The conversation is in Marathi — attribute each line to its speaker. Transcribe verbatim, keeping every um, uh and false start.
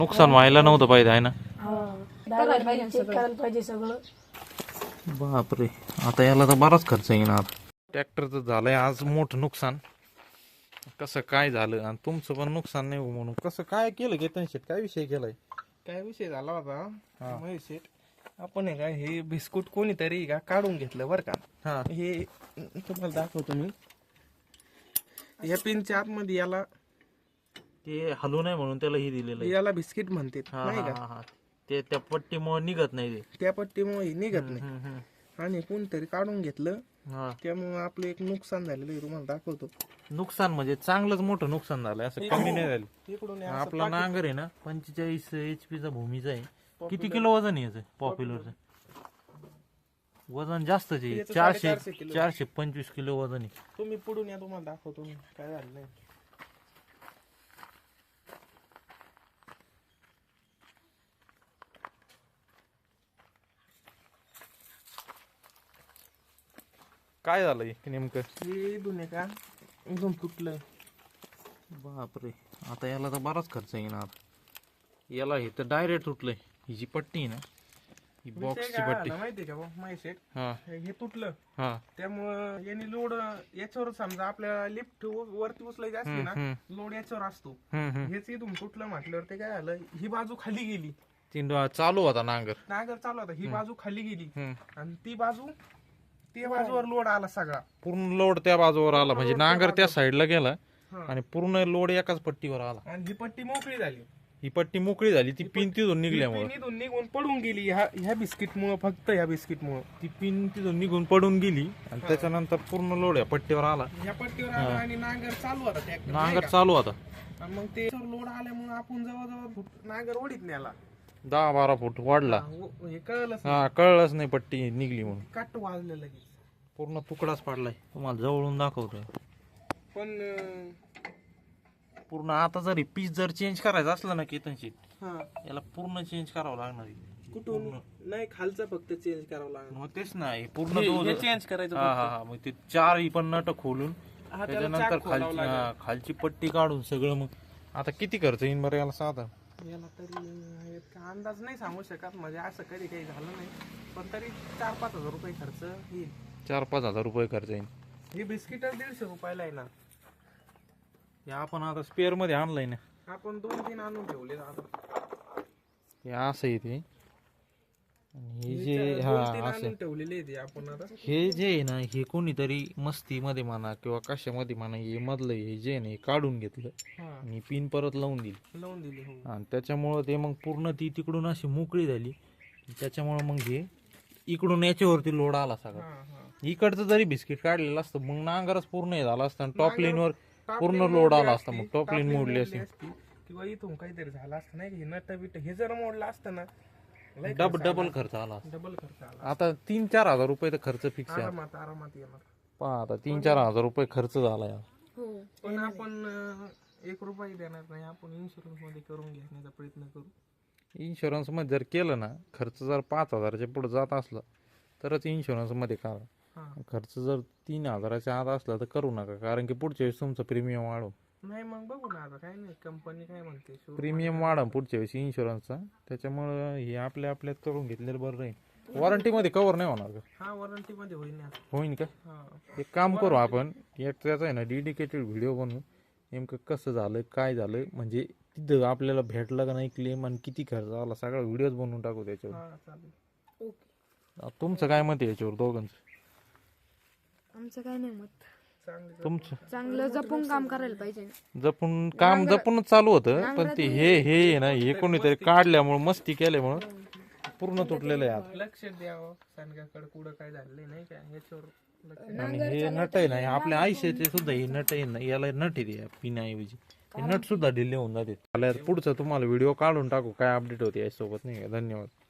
Speaker 1: नुकसान व्हायला नव्हतं पाहिजे आहे ना.
Speaker 2: करायला पाहिजे सगळं करायला पाहिजे सगळं.
Speaker 1: बापरे, आता याला तर बराच खर्च येणार. ट्रॅक्टरचं झालंय आज मोठं नुकसान. कसं काय झालं आणि तुमचं पण नुकसान नाही हो म्हणून कसं काय केलं केतन शेट, काय विषय केलाय?
Speaker 3: काय विषय झाला होता महेश शेठ, आपण आहे का हे बिस्कुट कोणीतरी का काढून घेतलं बरं का.
Speaker 1: हा,
Speaker 3: हे तुम्हाला दाखवतो मी. या पिनच्या आतमध्ये याला
Speaker 1: ते हलू नाही म्हणून त्याला हे दिलेलं आहे.
Speaker 3: याला बिस्किट म्हणते
Speaker 1: हा,
Speaker 3: नाही
Speaker 1: हा,
Speaker 3: का.
Speaker 1: हा. ते त्या पट्टीमुळे निघत नाही ते.
Speaker 3: त्या पट्टीमुळे हे निघत नाही
Speaker 1: हम्म, हम्म.
Speaker 3: आणि कोणतरी काढून घेतलं,
Speaker 1: हा.
Speaker 3: त्यामुळे आपलं एक नुकसान झालेलं आहे. तुम्हाला दाखवतो.
Speaker 1: नुकसान म्हणजे चांगलंच मोठं नुकसान झालंय, असं कमी नाही झालं.
Speaker 3: इकडून
Speaker 1: आपला नांगर आहे ना पंचेचाळीस एच पी चा भूमीचा आहे. किती किलो वजन आहे याचं पॉप्युलरचं? वजन जास्तच आहे,
Speaker 3: याचं
Speaker 1: चारशे
Speaker 3: साडेचारशे किलो.
Speaker 1: चारशे पंचवीस किलो वजन आहे.
Speaker 3: तुम्ही पुढून या, तुम्हाला दाखवतो मी काय झालं नाही.
Speaker 1: काय झालंय नेमकं?
Speaker 3: हे दोन्ही का एकदम तुटलंय.
Speaker 1: बापरे, आता याला तर बराच खर्च येणार. याला हे तर डायरेक्ट तुटलंय. ही जी पट्टी आहे ना, ही
Speaker 3: विषय
Speaker 1: बॉक्सची
Speaker 3: काय
Speaker 1: पट्टी.
Speaker 3: झाला माहितीये का महेश शेठ,
Speaker 1: हा
Speaker 3: हे तुटलं
Speaker 1: हा
Speaker 3: त्यामुळं याने लोड याच्यावर समजा आपल्याला लिफ्ट वरती उचलायची असली ना,
Speaker 1: हम्म.
Speaker 3: लोड याच्यावर असतो.
Speaker 1: हम्म हम्म
Speaker 3: हेच इथून तुटलं म्हटल्यावर ते काय झालं, ही बाजू खाली गेली.
Speaker 1: तीन चालू होता नांगर.
Speaker 3: नागर चालू होता, ही बाजू खाली गेली
Speaker 1: हम्म.
Speaker 3: आणि ती बाजू त्या बाजूवर लोड आला सगळा.
Speaker 1: पूर्ण लोड त्या बाजूवर आला, म्हणजे नांगर त्या साईडला गेला
Speaker 3: हा.
Speaker 1: आणि पूर्ण लोड एकाच पट्टीवर आला.
Speaker 3: आणि ही पट्टी मोकळी झाली.
Speaker 1: ही पट्टी मोकळी झाली, ती पिन तिथून निघल्यामुळे.
Speaker 3: ती इथून निघून पडून गेली ह्या ह्या बिस्किट मुळे, फक्त ह्या बिस्किट मुळे.
Speaker 1: ती पिन तिथून निघून पडून गेली आणि त्याच्यानंतर पूर्ण लोड या पट्टीवर आला.
Speaker 3: ह्या पट्टीवर आला आणि नांगर चालू होता ट्रॅक्टर.
Speaker 1: नांगर चालू होता.
Speaker 3: आणि मग ते लोड आल्यामुळे आपण जवळजवळ फुट- नांगर ओढीत नेला.
Speaker 1: दहा बारा फूट वाढला.
Speaker 3: व- हे कळलंच
Speaker 1: हा, कळलंच नाही पट्टी निघली म्हणून.
Speaker 3: काट वाजलं लगेच.
Speaker 1: पूर्ण तुकडाच पाडलाय. तुम्हाला जवळून दाखवतोय.
Speaker 3: पण अं,
Speaker 1: पूर्ण आता जरी पीस जर चेंज करायचं असलं ना केतनशीट,
Speaker 3: हा
Speaker 1: याला पूर्ण चेंज करावं लागणार आहे.
Speaker 3: कुठून नाही, खालचं फक्त चेंज करावं लागणार.
Speaker 1: मग तेच नाही पूर्ण तो-
Speaker 3: चेंज करायचं
Speaker 1: हा हा हा, मग ते चार ही पण नट खोलून
Speaker 3: हा, त्याला
Speaker 1: त्याच्यानंतर
Speaker 3: चाक खोलावं
Speaker 1: खालची
Speaker 3: लागेल.
Speaker 1: हा, खालची पट्टी काढून सगळं. मग आता किती खर्च येईन बरं याला साधा?
Speaker 3: याला तरी अं, इतका अंदाज नाही सांगू शकत, म्हणजे असं कधी काही झालं नाही. पण तरी चार पाच हजार रुपये खर्च येईल.
Speaker 1: चार पाच हजार रुपये खर्च येईल.
Speaker 3: ही बिस्किट दीडशे रुपयाला आहे ना.
Speaker 1: हे आपण आता स्पेअर मध्ये आणलंय ना,
Speaker 3: आपण दोन तीन आणून ठेवले आता.
Speaker 1: हे असं आहे ते. आणि हे जे
Speaker 3: दोन तीन
Speaker 1: हा
Speaker 3: आणून
Speaker 1: असं
Speaker 3: ठेवलेले आहे ते आपण आता.
Speaker 1: हे जे आहे ना, हे कोणीतरी मस्तीमध्ये म्हणा किंवा कशामध्ये म्हणा, हे मधलं हे जे आहे ना, हे काढून घेतलं
Speaker 3: हा
Speaker 1: आणि पिन परत लावून दिली
Speaker 3: लावून दिली. हो
Speaker 1: आणि त्याच्यामुळं ते मग पूर्ण ती तिकडून अशी मोकळी झाली. त्याच्यामुळं मग हे इकडून याच्यावरती लोड आला सगळा.
Speaker 3: हा हा
Speaker 1: इकडचं जरी बिस्किट काढलेलं असतं मग नांगरच पूर्ण हे झालं असतं आणि टॉप
Speaker 3: नांगर-
Speaker 1: लाईनवर
Speaker 3: Top
Speaker 1: पूर्ण
Speaker 3: line
Speaker 1: लोड
Speaker 3: मोडली
Speaker 1: आला
Speaker 3: असती,
Speaker 1: असता. मग टॉप
Speaker 3: top
Speaker 1: लाईन
Speaker 3: line
Speaker 1: मोडली
Speaker 3: मोडली
Speaker 1: असती.
Speaker 3: किंवा इथून काहीतरी झालं असतं नाही, हे नट बिट हे जर मोडलं असतं ना, लय
Speaker 1: डब
Speaker 3: खर्च
Speaker 1: डबल
Speaker 3: आला.
Speaker 1: खर्च आला असता.
Speaker 3: डबल खर्च आला.
Speaker 1: आता तीन चार हजार रुपये तर खर्च फिक्स आहे.
Speaker 3: आरामात आरामात येणार.
Speaker 1: पहा आता तीन चार हजार रुपये खर्च झाला यार.
Speaker 2: हो
Speaker 3: पण आपण अं, एक रुपये देणार नाही. आपण इन्शुरन्स मध्ये करून घेण्याचा प्रयत्न करू.
Speaker 1: इन्शुरन्स मध्ये जर केलं ना, खर्च जर पाच हजाराच्या पुढे जात असला तरच इन्शुरन्स मध्ये करा.
Speaker 3: हा
Speaker 1: खर्च जर तीन हजाराच्या आत असला तर करू नका, कारण की पुढच्या वेळेस तुमचं प्रीमियम वाढव.
Speaker 3: नाही मग बघू ना आता, काय नाही कंपनी काय म्हणते. showroom
Speaker 1: प्रीमियम वाढव पुढच्या वेळेस इन्शुरन्सचा. त्याच्यामुळं हे आपल्या आपल्यात करून घेतलेलं बरं राहील. वॉरंटी मध्ये कव्हर नाही होणार का?
Speaker 3: हा वॉरंटी मध्ये होईल ना.
Speaker 1: होईन का?
Speaker 3: हा
Speaker 1: एक काम करू आपण, एक त्याचा आहे ना डेडिकेटेड व्हिडिओ बनवू. नेमकं कसं झालं काय झालं, म्हणजे तिथं आपल्याला भेटलं का नाही क्लेम आणि किती खर्च आला, सगळा व्हिडिओज बनवून टाकू त्याच्यावर.
Speaker 3: हा चालेल.
Speaker 2: ओके.
Speaker 1: तुमचं काय मत आहे याच्यावर दोघांचं?
Speaker 2: आमचं काय नाही मत.
Speaker 3: चांगलं
Speaker 1: तुमचं
Speaker 2: चांगलं जपून काम करायला पाहिजे.
Speaker 1: जपून काम जपूनच चालू होतं, पण ते हे हे आहे ना, हे कोणीतरी काढल्यामुळं मस्ती केल्यामुळं पूर्ण तुटलेलं आहे आता.
Speaker 3: लक्ष द्यावं सांगाकडे कुठं काय झालंय नाही का, याच्यावर लक्ष.
Speaker 1: आणि हे नट आहे ना, हे आपल्या आयुष्याचे सुद्धा हे नट आहे ना, याला नट आहे पिण्याऐवजी. हे नट सुद्धा ढिले होऊन जाते. पुढचं तुम्हाला व्हिडिओ काढून टाकू काय अपडेट होते यासोबत, नाही का? धन्यवाद.